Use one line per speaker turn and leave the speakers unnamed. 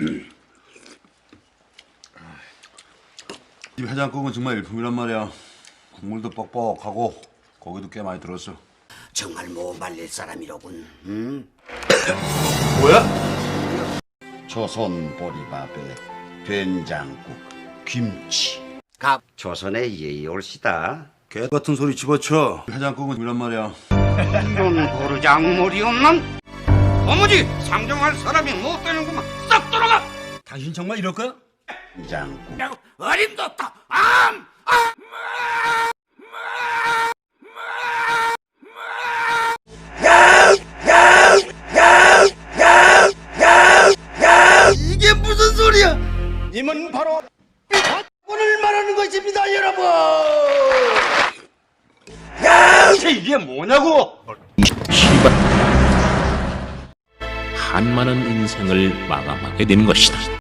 이 해장국은 정말 일품이란 말이야. 국물도 뻑뻑하고 고기도 꽤 많이 들었어.
정말 못 말릴 사람이로군.
뭐야?
조선 보리밥에 된장국, 김치. 조선의 예의 올시다.
개 같은 소리 집어쳐. 해장국은 이란 말이야.
이런 보르장물이 없는 어머니 상정할 사람이 못 되는구만. 싹 돌아가.
당신 정말 이럴 거야?
된장국.
어림도없다.
이게 무슨 소리야?
님은 바로 오늘 말하는 것입니다, 여러분.
이게 뭐냐고?
한많은 인생을 마감하게 되는 것이다.